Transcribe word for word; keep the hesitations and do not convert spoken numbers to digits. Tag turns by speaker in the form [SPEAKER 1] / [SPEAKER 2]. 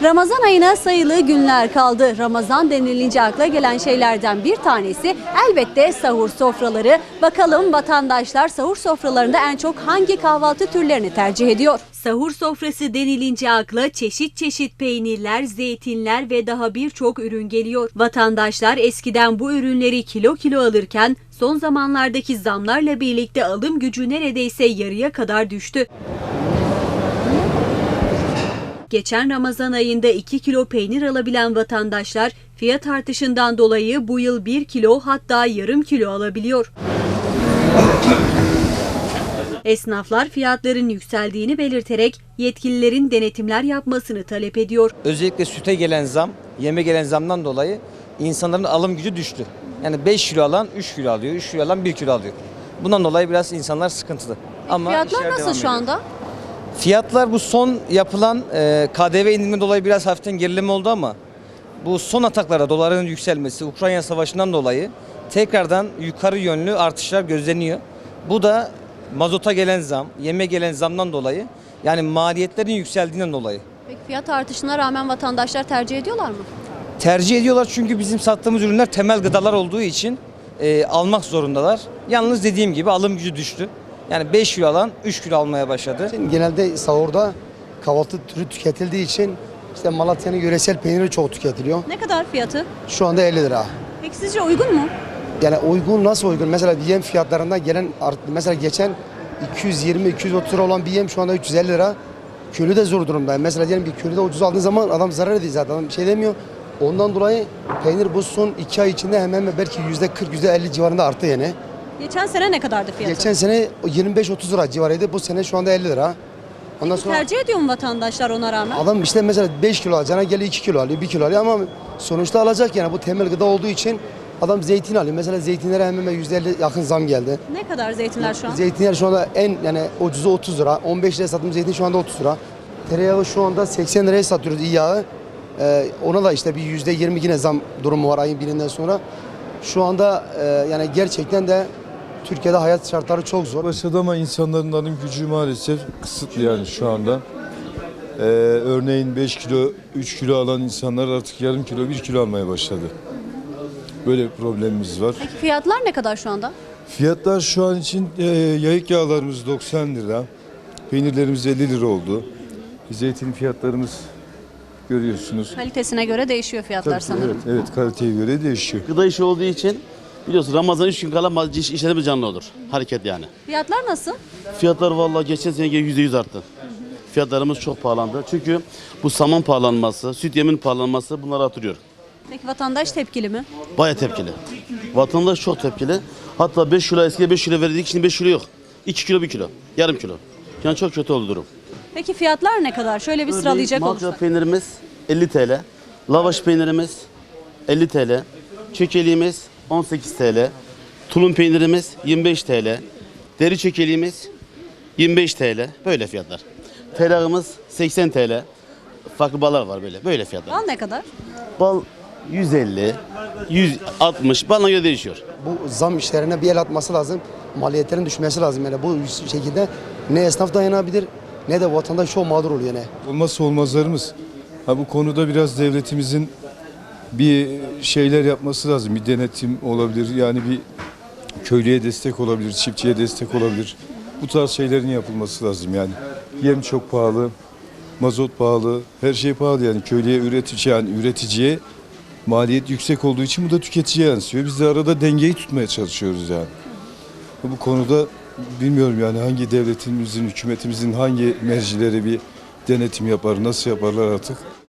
[SPEAKER 1] Ramazan ayına sayılı günler kaldı. Ramazan denilince akla gelen şeylerden bir tanesi elbette sahur sofraları. Bakalım vatandaşlar sahur sofralarında en çok hangi kahvaltı türlerini tercih ediyor? Sahur sofrası denilince akla çeşit çeşit peynirler, zeytinler ve daha birçok ürün geliyor. Vatandaşlar eskiden bu ürünleri kilo kilo alırken son zamanlardaki zamlarla birlikte alım gücü neredeyse yarıya kadar düştü. Geçen Ramazan ayında iki kilo peynir alabilen vatandaşlar fiyat artışından dolayı bu yıl bir kilo hatta yarım kilo alabiliyor. Esnaflar fiyatların yükseldiğini belirterek yetkililerin denetimler yapmasını talep ediyor.
[SPEAKER 2] Özellikle süte gelen zam, yeme gelen zamdan dolayı insanların alım gücü düştü. Yani beş kilo alan üç kilo alıyor, üç kilo alan bir kilo alıyor. Bundan dolayı biraz insanlar sıkıntılı. Ama
[SPEAKER 1] Fiyatlar nasıl şu anda?
[SPEAKER 2] Fiyatlar bu son yapılan e, K D V indiriminden dolayı biraz hafiften gerileme oldu ama bu son ataklara doların yükselmesi, Ukrayna Savaşı'ndan dolayı tekrardan yukarı yönlü artışlar gözleniyor. Bu da mazota gelen zam, yeme gelen zamdan dolayı yani maliyetlerin yükseldiğinden dolayı.
[SPEAKER 1] Peki fiyat artışına rağmen vatandaşlar tercih ediyorlar mı?
[SPEAKER 2] Tercih ediyorlar çünkü bizim sattığımız ürünler temel gıdalar olduğu için e, almak zorundalar. Yalnız dediğim gibi alım gücü düştü. Yani beş kilo alan üç kilo almaya başladı.
[SPEAKER 3] Genelde sahurda kahvaltı türü tüketildiği için işte Malatya'nın yöresel peyniri çok tüketiliyor.
[SPEAKER 1] Ne kadar fiyatı?
[SPEAKER 3] Şu anda elli lira.
[SPEAKER 1] Peki sizce uygun mu?
[SPEAKER 3] Yani uygun, nasıl uygun? Mesela yem fiyatlarından gelen art- mesela geçen iki yüz yirmi iki yüz otuz lira olan bir yem şu anda üç yüz elli lira. Köylü de zor durumda. Mesela diyelim bir köylü de ucuz aldığın zaman adam zarar ediyor zaten. Adam bir şey demiyor. Ondan dolayı peynir bu son iki ay içinde hemen hemen belki yüzde kırk yüzde elli civarında arttı yani.
[SPEAKER 1] Geçen sene ne kadardı fiyatı?
[SPEAKER 3] Geçen sene yirmi beş otuz lira civarıydı. Bu sene şu anda elli lira. Ondan sonra
[SPEAKER 1] Tercih ediyor mu vatandaşlar ona rağmen?
[SPEAKER 3] adam işte mesela beş kilo alacağına geliyor iki kilo alıyor, bir kilo alıyor ama sonuçta alacak yani bu temel gıda olduğu için adam zeytin alıyor. Mesela zeytinlere hemen hemen yüzde elli yakın zam geldi.
[SPEAKER 1] Ne kadar zeytinler şu an?
[SPEAKER 3] Zeytinler şu anda en yani ucuzu otuz lira. on beş liraya sattığımız zeytin şu anda otuz lira. Tereyağı şu anda seksen liraya satıyoruz iyi yağı. Ee, ona da işte bir yüzde yirmi yine zam durumu var ayın birinden sonra. Şu anda e, yani gerçekten de Türkiye'de hayat şartları çok zor.
[SPEAKER 4] Başladı ama insanların alım gücü maalesef kısıtlı yani şu anda. Ee, örneğin beş kilo, üç kilo alan insanlar artık yarım kilo, bir kilo almaya başladı. Böyle bir problemimiz var.
[SPEAKER 1] Peki fiyatlar ne kadar şu anda?
[SPEAKER 4] Fiyatlar şu an için e, yayık yağlarımız doksan lira, peynirlerimiz elli lira oldu. Zeytin fiyatlarımız görüyorsunuz.
[SPEAKER 1] Kalitesine göre değişiyor fiyatlar
[SPEAKER 4] Tabii,
[SPEAKER 1] sanırım.
[SPEAKER 4] evet, evet, kaliteye göre değişiyor.
[SPEAKER 5] Gıda işi olduğu için biliyorsun Ramazan üç gün kala iş, işlerimiz canlı olur. Hareket yani.
[SPEAKER 1] Fiyatlar nasıl?
[SPEAKER 5] Fiyatlar vallahi geçen seneye yüzde yüz arttı. Fiyatlarımız çok pahalandı. Çünkü bu saman pahalanması, süt yemin pahalanması bunları artırıyor.
[SPEAKER 1] Peki vatandaş tepkili mi?
[SPEAKER 5] Baya tepkili. Vatandaş çok tepkili. Hatta beş kilo eskiden beş kilo verirdik, şimdi beş kilo yok. iki kilo bir kilo, yarım kilo. Yani çok kötü oldu durum.
[SPEAKER 1] Peki fiyatlar ne kadar? Şöyle bir sıralayacak
[SPEAKER 5] Malça
[SPEAKER 1] olursak.
[SPEAKER 5] peynirimiz elli TL. Lavaş peynirimiz elli TL. Çökeliğimiz on sekiz TL. Tulum peynirimiz yirmi beş TL. Deri çökeliğimiz yirmi beş TL. Böyle fiyatlar. Tereyağımız seksen TL. Farklı ballar var böyle. Böyle fiyatlar.
[SPEAKER 1] Bal ne kadar?
[SPEAKER 5] Bal yüz elli, yüz altmış balına göre değişiyor.
[SPEAKER 3] Bu zam işlerine bir el atması lazım. Maliyetlerin düşmesi lazım yani bu şekilde ne esnaf dayanabilir ne de vatandaş çok mağdur oluyor yani.
[SPEAKER 4] Olmazsa olmazlarımız. Ha, bu konuda biraz devletimizin bir şeyler yapması lazım. Bir denetim olabilir. Yani bir köylüye destek olabilir, çiftçiye destek olabilir. Bu tarz şeylerin yapılması lazım yani. Yem çok pahalı, mazot pahalı, her şey pahalı yani. Köylüye üretici yani üreticiye maliyet yüksek olduğu için bu da tüketiciye yansıyor. Biz de arada dengeyi tutmaya çalışıyoruz yani. Bu konuda bilmiyorum yani hangi devletimizin, hükümetimizin hangi mercileri bir denetim yapar, nasıl yaparlar artık.